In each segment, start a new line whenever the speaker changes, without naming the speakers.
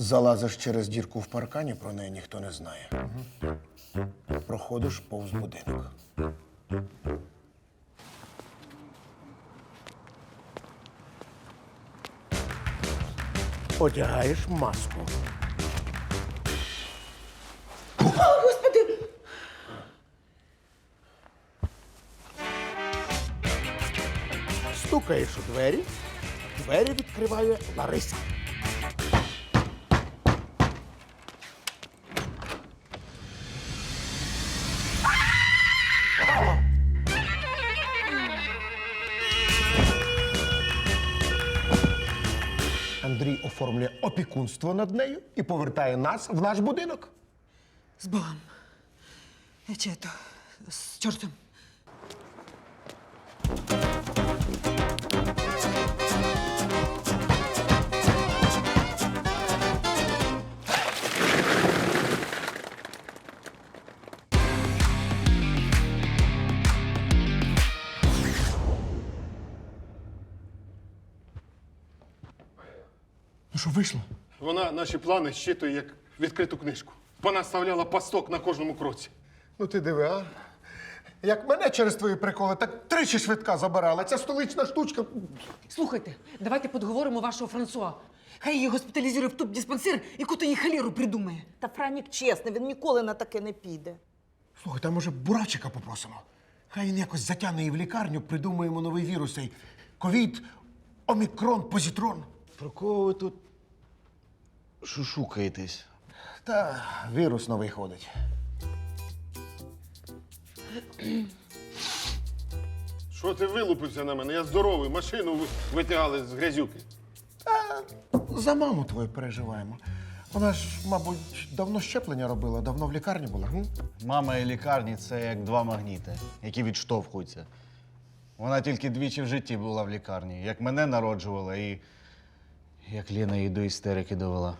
Залазиш через дірку в паркані, про неї ніхто не знає. Проходиш повз будинок. Одягаєш маску.
Господи!
Стукаєш у двері, двері відкриває Лариса. Андрій оформлює опікунство над нею і повертає нас в наш будинок.
С Богом. Чи это, с чертом.
Ну що, вийшло?
Вона наші плани щитує як відкриту книжку. Вона ставляла пасток на кожному кроці.
Ну ти диви, а? Як мене через твої приколи, так тричі швидка забирала. Ця столична штучка.
Слухайте, давайте подговоримо вашого Франсуа. Хай її госпіталізує в туб-диспансер і куди їй холеру придумає.
Та Франік чесний, він ніколи на таке не піде.
Слухай, там може Бурачика попросимо. Хай він якось затягне її в лікарню, придумаємо новий вірус. Цей ковід, омікрон, позитрон.
Про кого ви тут шушукаєтесь?
Та вірус новий ходить.
Що ти вилупився на мене? Я здоровий, машину витягали з грязюки.
За маму твою переживаємо. Вона ж, мабуть, давно щеплення робила, давно в лікарні була. М?
Мама і лікарні це як два магніти, які відштовхуються. Вона тільки двічі в житті була в лікарні. Як мене народжувала і як Лена її до істерики довела.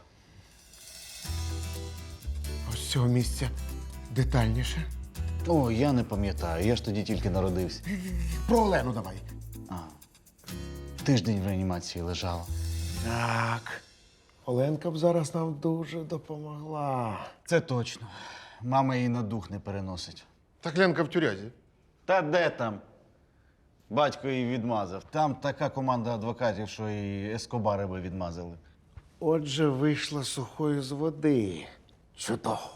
Ось з цього місця детальніше.
О, я не пам'ятаю, я ж тоді тільки народився.
Про Олену давай.
Тиждень в реанімації лежала.
Так. Оленка б зараз нам дуже допомогла.
Це точно. Мама її на дух не переносить.
Так Ленка в тюрязі.
Та де там? Батько її відмазав. Там така команда адвокатів, що і ескобари би відмазали.
Отже, вийшла сухою з води. Чудово.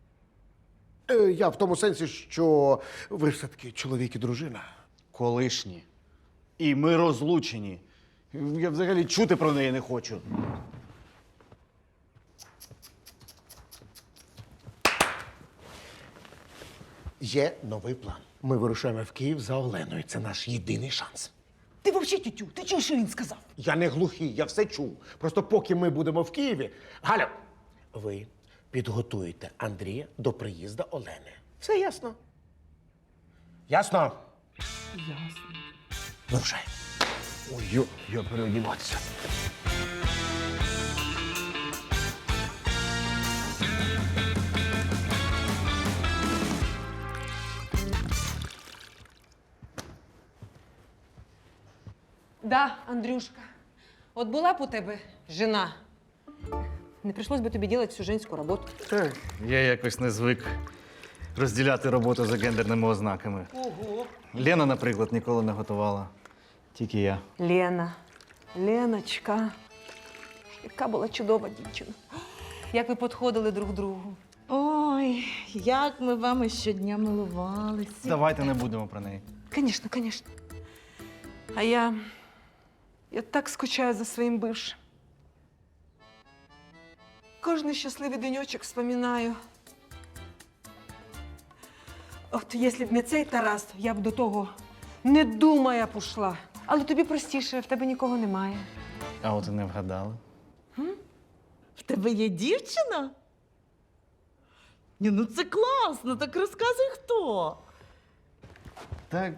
Я в тому сенсі, що ви ж все-таки чоловік і дружина.
Колишні. І ми розлучені. Я взагалі чути про неї не хочу.
Є новий план. Ми вирушаємо в Київ за Оленою. Це наш єдиний шанс.
Ти взагалі, тютю, ти чуєш, що він сказав?
Я не глухий, я все чув. Просто поки ми будемо в Києві. Галя, ви підготуєте Андрія до приїзду Олени. Все ясно? Ясно?
Ясно.
Вирушаємо. Ой, я переодіватися.
Да, Андрюшка. От була б у тебе жена, не прийшлось би тобі робити всю женську роботу.
Я якось не звик розділяти роботу за гендерними ознаками.
Ого.
Лена, наприклад, ніколи не готувала. Тільки я.
Лена, Леночка, яка була чудова дівчина. Як ви підходили друг другу.
Ой, як ми вами щодня милувалися.
Давайте не будемо про неї.
Звісно, звісно. А я так скучаю за своїм бившим. Кожний щасливий денечок вспоминаю. От якщо б не цей Тарас, я б до того не думая б ушла. Але тобі простіше, в тебе нікого немає.
А от і не вгадали.
В тебе є дівчина? Ні, ну це класно, так розказуй хто.
Так.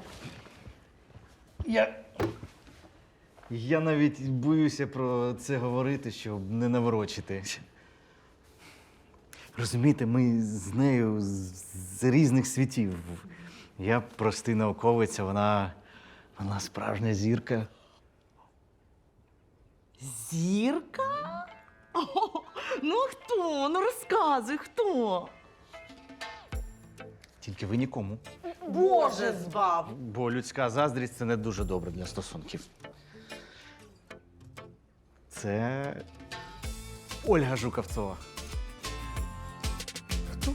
Я навіть боюся про це говорити, щоб не наворочити. Розумієте, ми з нею з різних світів. Я простий науковець, а вона справжня зірка.
Зірка? О, Ну а хто? Ну розказуй, хто?
Тільки ви нікому.
Боже збав!
Бо людська заздрість це не дуже добре для стосунків. Це Ольга Жукавцова. Хто?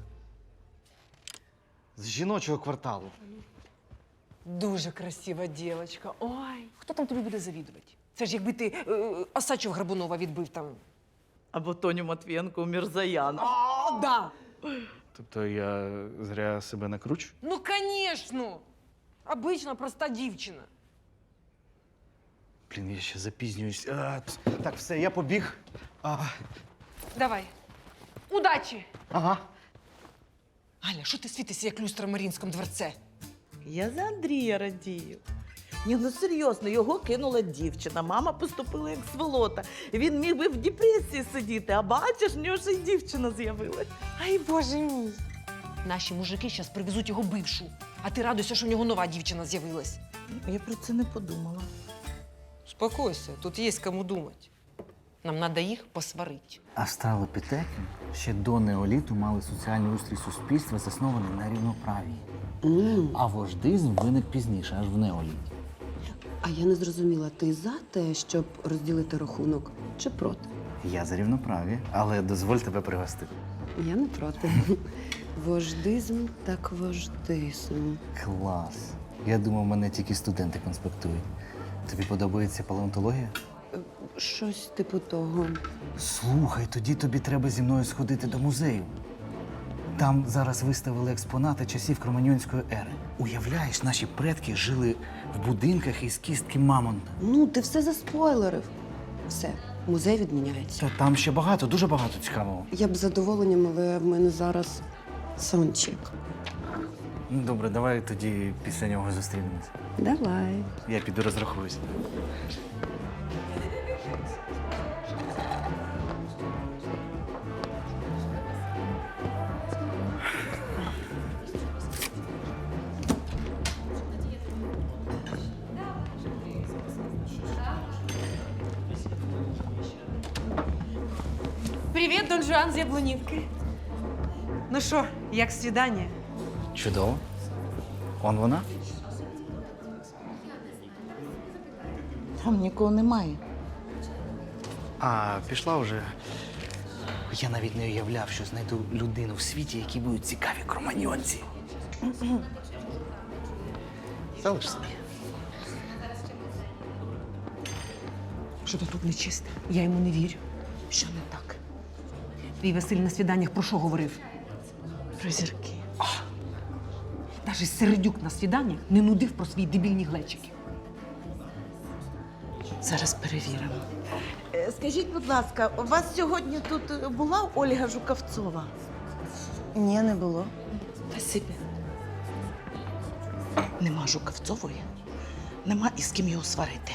З жіночого кварталу.
Дуже красива дівчинка. Ой, хто там тобі буде завідувати? Це ж якби ти Осадчого Горбунова відбив там.
Або Тоню Матвієнко у Мірзаяна.
О, да!
Тобто я зря себе накручу?
Ну, звісно! Обична проста дівчина.
Блін, я ще запізнююсь. Так, все, я побіг.
Давай. Удачі!
Ага.
Галя, що ти світишся, як люстра в Марінському дворце?
Я за Андрія радію. Ні, ну серйозно, його кинула дівчина. Мама поступила як сволота. Він міг би в депресії сидіти, а бачиш, в нього ще й дівчина з'явилась.
Ай, боже мій! Наші мужики зараз привезуть його бившу, а ти радуйся, що в нього нова дівчина з'явилась.
Я про це не подумала.
Успокойся, тут є кому думати. Нам треба їх посварити.
Австралопітеки ще до неоліту мали соціальний устрій суспільства, заснований на рівноправії. А вождизм виник пізніше, аж в неоліті.
А я не зрозуміла, ти за те, щоб розділити рахунок, чи проти?
Я за рівноправі, але дозволь тебе пригостити.
Я не проти. Вождизм так вождизм.
Клас. Я думав, мене тільки студенти конспектують. Тобі подобається палеонтологія?
Щось типу того.
Слухай, тоді тобі треба зі мною сходити до музею. Там зараз виставили експонати часів Кроманьонської ери. Уявляєш, наші предки жили в будинках із кістки мамонта.
Ну, ти все заспойлерив. Все, музей відміняється.
Та там ще багато, дуже багато цікавого.
Я б з задоволенням, але в мене зараз саундчек.
Ну, добре, давай тоді після нього зустрінемось.
Давай.
Я піду розрахуюсь.
Привіт, Дон Жуан з Яблунівки. Ну що, як свідання?
Чудово. Он вона?
Там нікого немає.
А, пішла вже. Я навіть не уявляв, що знайду людину в світі, якій будуть цікаві кроманьонці. Залиш собі.
Що то тут нечисте? Я йому не вірю. Що не так? Твій Василь на свіданнях про що говорив?
Про зірки.
Навіть Середюк на свіданнях не нудив про свої дебільні глечики.
Зараз перевіримо. Скажіть, будь ласка, у вас сьогодні тут була Ольга Жукавцова? Ні, не було. Спасибі. Нема Жукавцової, нема із ким його сварити.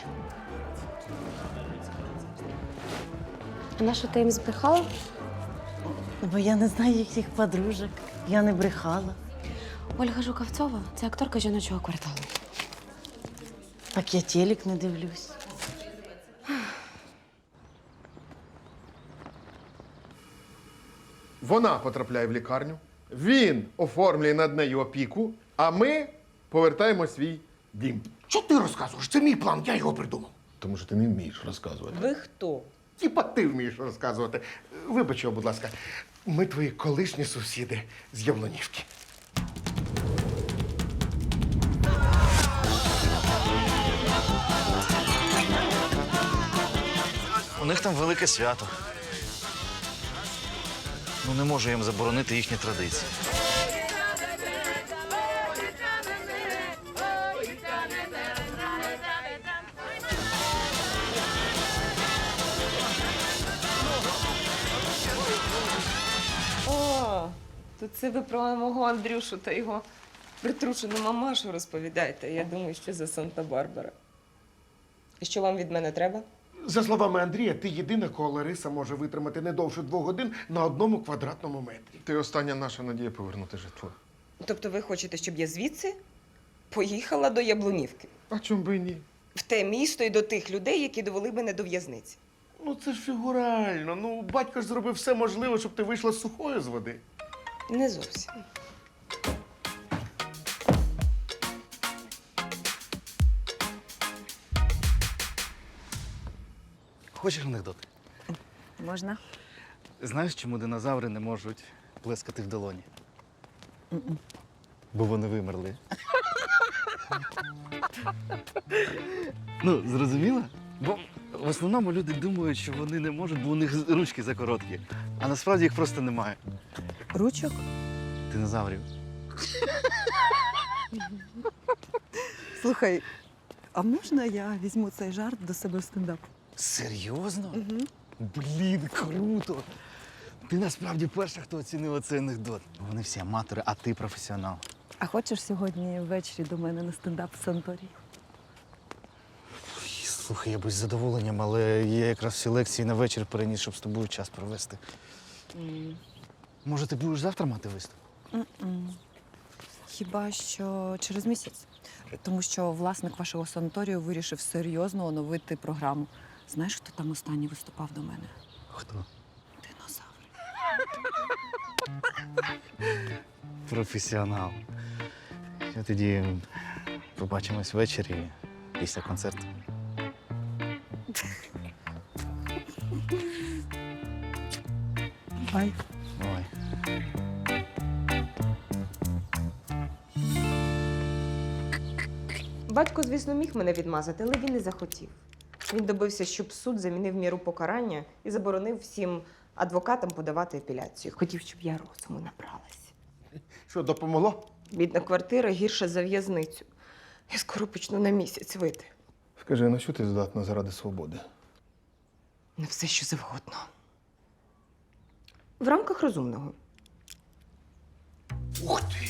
А на що ти їм збрехала?
Бо я не знаю їхніх подружок. Я не брехала.
Ольга Жукавцова – це акторка жіночого кварталу.
Так я телек не дивлюсь.
Вона потрапляє в лікарню, він оформлює над нею опіку, а ми повертаємо свій дім.
Що ти розказуєш? Це мій план, я його придумав.
Тому що ти не вмієш розказувати.
Ви хто?
Тіпа ти вмієш розказувати. Вибач його, будь ласка. Ми твої колишні сусіди з Яблунівки.
У них там велике свято. Ну, не можу їм заборонити їхні традиції.
О, то це ви про мого Андрюшу та його притрушену мамашу розповідаєте. Я думаю, що за Санта-Барбара. І що вам від мене треба?
За словами Андрія, ти єдина, кого Лариса може витримати не довше 2 годин на 1 квадратному метрі.
Ти остання наша надія повернути житло.
Тобто ви хочете, щоб я звідси поїхала до Яблунівки?
А чому би і ні?
В те місто і до тих людей, які довели мене до в'язниці.
Ну це ж фігурально. Ну, батько ж зробив все можливе, щоб ти вийшла сухою з води.
Не зовсім.
Хочеш анекдот?
Можна?
Знаєш, чому динозаври не можуть плескати в долоні? Бо вони вимерли. Ну, зрозуміла? Бо в основному люди думають, що вони не можуть, бо у них ручки закороткі. А насправді їх просто немає.
Ручок?
Динозаврів.
Слухай, а можна я візьму цей жарт до себе в стендап?
Серйозно? Блін, круто! Ти насправді перша, хто оцінив цей анекдот. Вони всі аматори, а ти професіонал.
А хочеш сьогодні ввечері до мене на стендап в санаторії?
Слухай, я би з задоволенням, але я якраз всі лекції на вечір переніс, щоб з тобою час провести. Може, ти будеш завтра мати виступ?
Хіба що через місяць. Тому що власник вашого санаторію вирішив серйозно оновити програму. Знаєш, хто там останній виступав до мене?
Хто?
Динозавр.
Професіонал. Я тоді побачимось ввечері після концерту.
Бай.
Ой.
Батько, звісно, міг мене відмазати, але він не захотів. Він добився, щоб суд замінив міру покарання і заборонив всім адвокатам подавати апеляцію. Хотів, щоб я розуму набралась.
Що, допомогло?
Бідна квартира гірша за в'язницю. Я скоро почну на місяць вийти.
Скажи, на що ти здатна заради свободи?
На все, що завгодно. В рамках розумного.
Ух ти!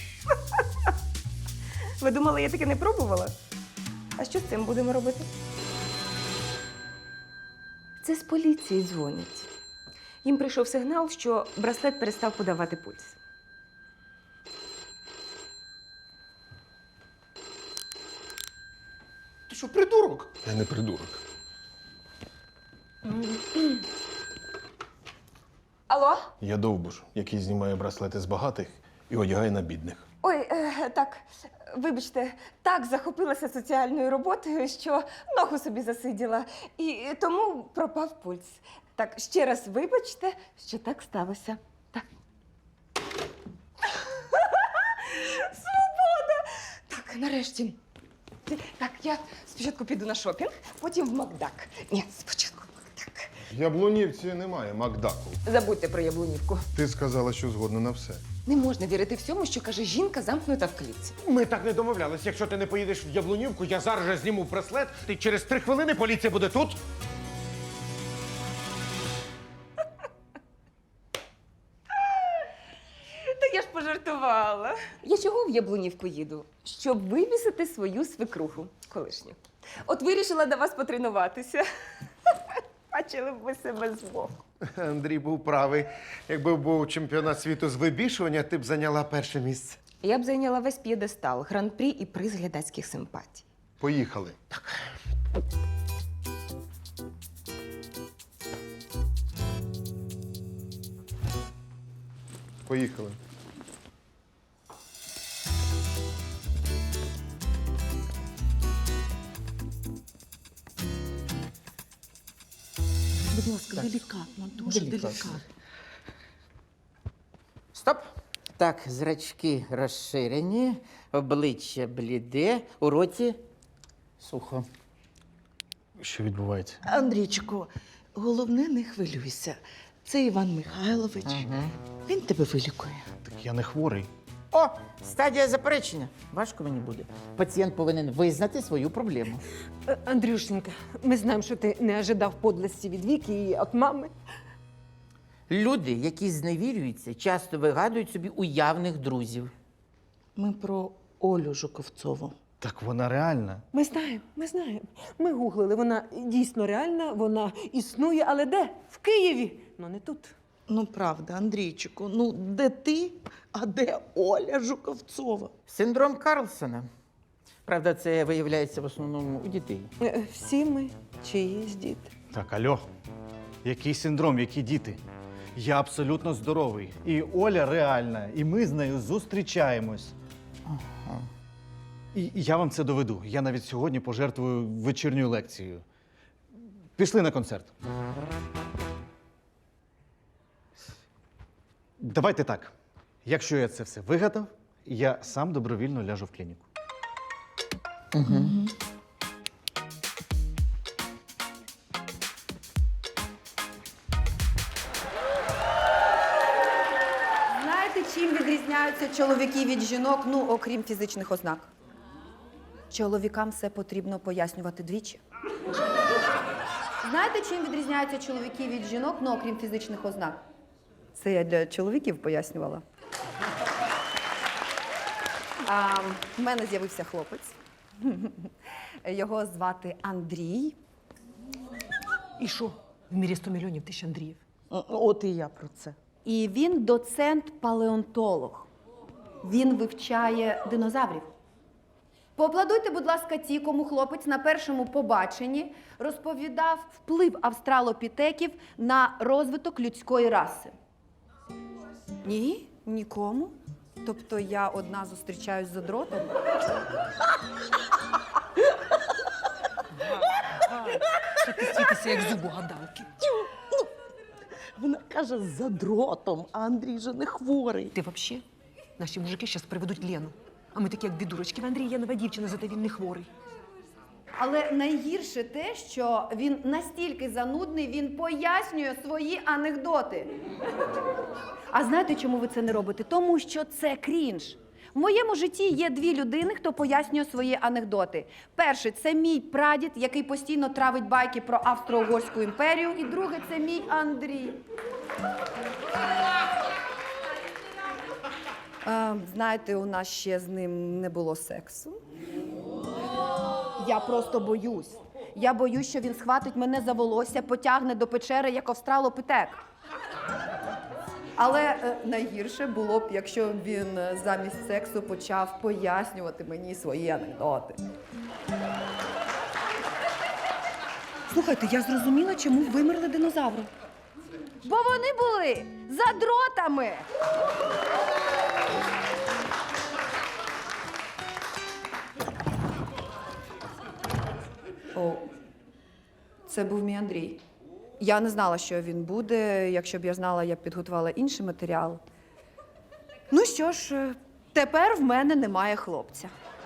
Ви думали, я таке не пробувала? А що з цим будемо робити? Це з поліції дзвонять. Їм прийшов сигнал, що браслет перестав подавати пульс.
Ти що, придурок?
Я не придурок.
Алло?
Я довбуш, який знімає браслети з багатих і одягає на бідних.
Ой, так, вибачте, так захопилася соціальною роботою, що ногу собі засиділа. І тому пропав пульс. Так, ще раз вибачте, що так сталося. Так. Свобода! Так, нарешті. Так, я спочатку піду на шопінг, потім в Макдак. Ні, спочатку в Макдак.
В Яблунівці немає Макдаку.
Забудьте про яблунівку.
Ти сказала, що згодна на все.
Не можна вірити всьому, що каже жінка, замкнута в клітці.
Ми так не домовлялись. Якщо ти не поїдеш в Яблунівку, я зараз же зніму браслет, і через 3 хвилини поліція буде тут.
Та я ж пожартувала. Я чого в Яблунівку їду? Щоб вивісити свою свекруху колишню. От вирішила до вас потренуватися. Бачили б ви себе збоку.
Андрій був правий. Якби був чемпіонат світу з вибішування, ти б зайняла перше місце.
Я б зайняла весь п'єдестал, гран-прі і приз глядацьких симпатій.
Поїхали. Поїхали.
Будь ласка, делікатно, дуже делікатно.
Стоп. Так, зрачки розширені, обличчя бліде, у роті сухо.
Що відбувається?
Андрійчику, головне, не хвилюйся. Це Іван Михайлович. Він тебе вилікує.
Так я не хворий.
О, стадія заперечення. Важко мені буде. Пацієнт повинен визнати свою проблему.
Андрюшенька, ми знаємо, що ти не ожидав подлості від Віки і від мами.
Люди, які зневірюються, часто вигадують собі уявних друзів.
Ми про Олю Жуковцову.
Так вона реальна.
Ми знаємо, ми знаємо. Ми гуглили, вона дійсно реальна, вона існує, але де? В Києві, ну не тут.
Ну, правда, Андрійчику, ну де ти, а де Оля Жуковцова?
Синдром Карлсона. Правда, це виявляється в основному у дітей.
Всі ми чиїсь діти.
Так, альо. Який синдром, які діти? Я абсолютно здоровий. І Оля реальна, і ми з нею зустрічаємось. І я вам це доведу. Я навіть сьогодні пожертвую вечірньою лекцією. Пішли на концерт. Давайте так. Якщо я це все вигадав, я сам добровільно ляжу в клініку.
Знаєте, чим відрізняються чоловіки від жінок, ну, окрім фізичних ознак? Чоловікам все потрібно пояснювати двічі. Знаєте, чим відрізняються чоловіки від жінок, ну, окрім фізичних ознак? Це я для чоловіків пояснювала. В мене з'явився хлопець. Його звати Андрій.
І що? В мірі 100 мільйонів тисяч Андріїв.
От і я про це.
І він доцент-палеонтолог. Він вивчає динозаврів. Поаплодуйте, будь ласка, ті, кому хлопець на першому побаченні розповідав вплив австралопітеків на розвиток людської раси. Ні, нікому. Тобто я одна зустрічаюсь з задротом.
Та ти світися, як зуб у гадалки.
Вона каже за дротом, а Андрій же не хворий.
Ти взагалі? Наші мужики зараз приведуть Лену. А ми такі, як дві дурочки. В Андрій є нова дівчина, зате він не хворий.
Але найгірше те, що він настільки занудний, він пояснює свої анекдоти. А знаєте, чому ви це не робите? Тому що це крінж. В моєму житті є дві людини, хто пояснює свої анекдоти. Перший – це мій прадід, який постійно травить байки про Австро-Угорську імперію. І другий – це мій Андрій. Знаєте, у нас ще з ним не було сексу. Я просто боюсь. Я боюсь, що він схватить мене за волосся, потягне до печери, як австралопітек. Але найгірше було б, якщо він замість сексу почав пояснювати мені свої анекдоти. Слухайте, я зрозуміла, чому вимерли динозаври. Бо вони були за дротами. О, це був мій Андрій. Я не знала, що він буде. Якщо б я знала, я б підготувала інший матеріал. Ну що ж, тепер в мене немає хлопця.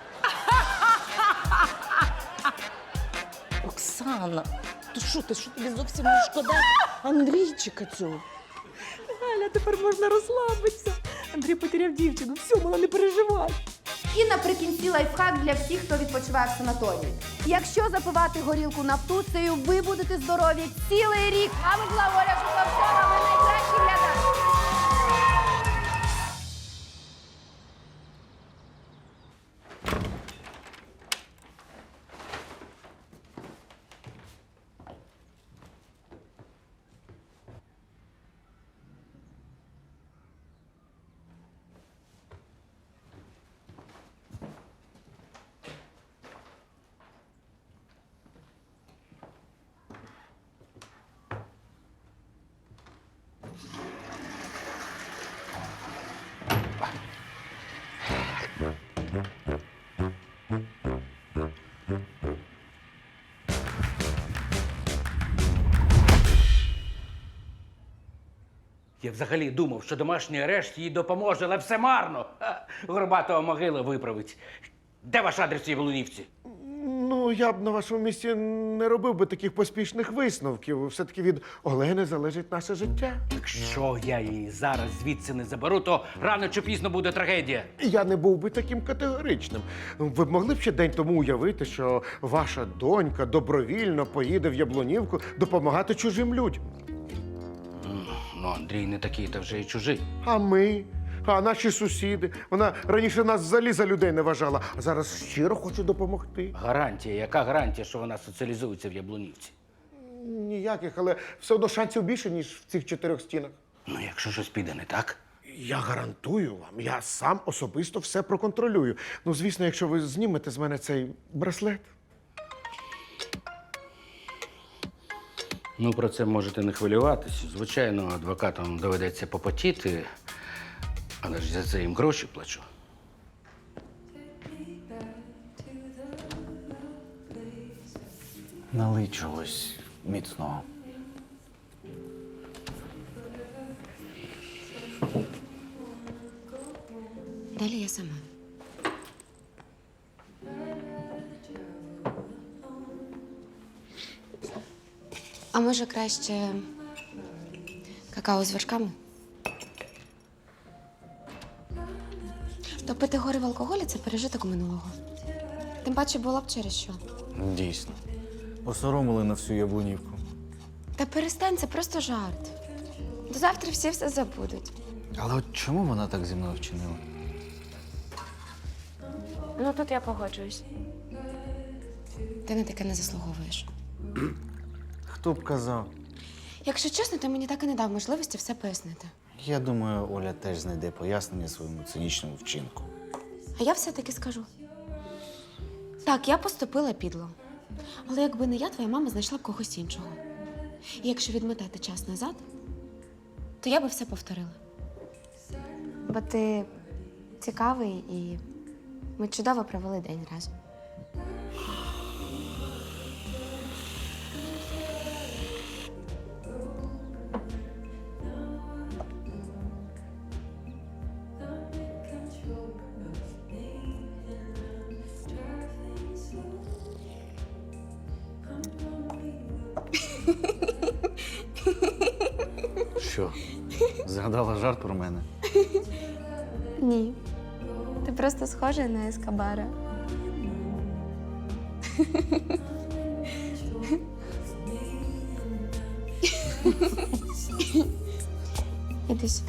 Оксана, то що ти, що тобі зовсім не шкода Андрійчика цього?
Галя, тепер можна розслабитися. Андрій потеряв дівчину. Все, мала, не переживай.
І наприкінці лайфхак для всіх, хто відпочиває в санаторії. Якщо запивати горілку нафтуцею, ви будете здорові цілий рік. А ми була Оля Жуковська, ви найкращі глядачі.
Я взагалі думав, що домашній арешт їй допоможе, але все марно. Горбатого могила виправить. Де ваш адрес в Яблунівці?
Ну, я б на вашому місці не робив би таких поспішних висновків. Все-таки від Олени залежить наше життя.
Якщо я її зараз звідси не заберу, то рано чи пізно буде трагедія.
Я не був би таким категоричним. Ви б могли б ще день тому уявити, що ваша донька добровільно поїде в Яблунівку допомагати чужим людям.
Ну, Андрій не такий, та вже й чужий.
А ми? А наші сусіди? Вона раніше нас взагалі за людей не вважала, а зараз щиро хоче допомогти.
Гарантія? Яка гарантія, що вона соціалізується в Яблунівці?
Ніяких, але все одно шансів більше, ніж в цих 4 стінах.
Ну, якщо щось піде не так.
Я гарантую вам, я сам особисто все проконтролюю. Ну, звісно, якщо ви знімете з мене цей браслет.
Ну, про це можете не хвилюватись. Звичайно, адвокатам доведеться попотіти, але ж за це їм гроші плачу.
Налий чогось міцного.
Далі я сама. А може краще какао з вершками? Топити гори в алкоголі – це пережиток минулого. Тим паче було б через що.
Дійсно. Посоромили на всю Яблунівку.
Та перестань, це просто жарт. До завтра всі все забудуть.
Але от чому вона так зі мною вчинила?
Ну, тут я погоджуюсь. Ти на таке не заслуговуєш.
Хто б казав?
Якщо чесно, ти мені так і не дав можливості все пояснити.
Я думаю, Оля теж знайде пояснення своєму цинічному вчинку.
А я все-таки скажу. Так, я поступила підло. Але якби не я, твоя мама знайшла б когось іншого. І якщо відмотати час назад, то я би все повторила. Бо ти цікавий і ми чудово провели день разом.
Що? Згадала жарт про мене?
Ні. Ти просто схожа на Ескобара. Іди сюди.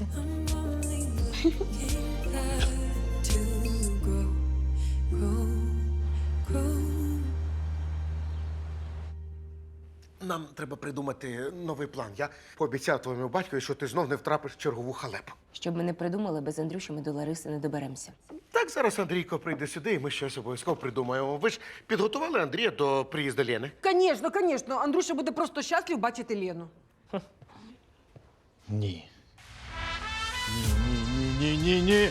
Нам треба придумати новий план. Я пообіцяв твоєму батькові, що ти знов не втрапиш в чергову халепу.
Щоб ми не придумали, без Андрюші ми до Лариси не доберемося.
Так, зараз Андрійко прийде сюди, і ми щось обов'язково придумаємо. Ви ж підготували Андрія до приїзду Лени?
Звісно, звісно. Андрюша буде просто щаслив бачити Лену.
Ні. Ні.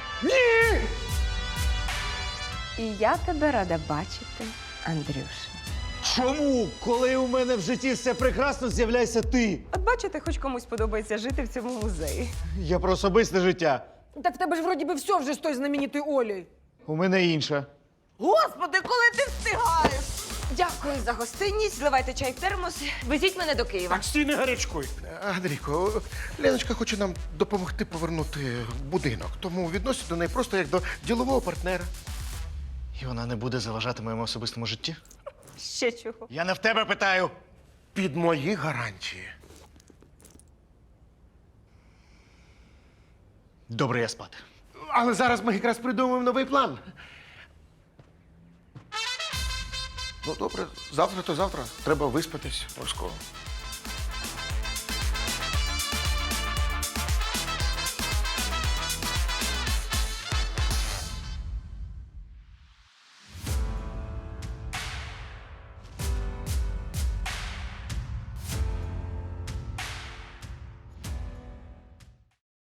І я тебе рада бачити, Андрюша.
Чому? Коли у мене в житті все прекрасно, з'являйся ти.
От бачите, хоч комусь подобається жити в цьому музеї.
Я про особисте життя.
Так в тебе ж вроді би все вже з тою знаменитою Олею.
У мене інше.
Господи, коли ти встигаєш?
Дякую за гостинність. Зливайте чай в термос. Везіть мене до Києва.
Так, стій, не гарячкуй. Андрійко, Леночка хоче нам допомогти повернути будинок, тому відносять до неї просто як до ділового партнера.
І вона не буде заважати моєму особистому житті?
Ще чого?
Я не в тебе питаю.
Під мої гарантії.
Добре, я спати.
Але зараз ми якраз придумаємо новий план. Ну, добре, завтра то завтра. Треба виспатись обов'язково.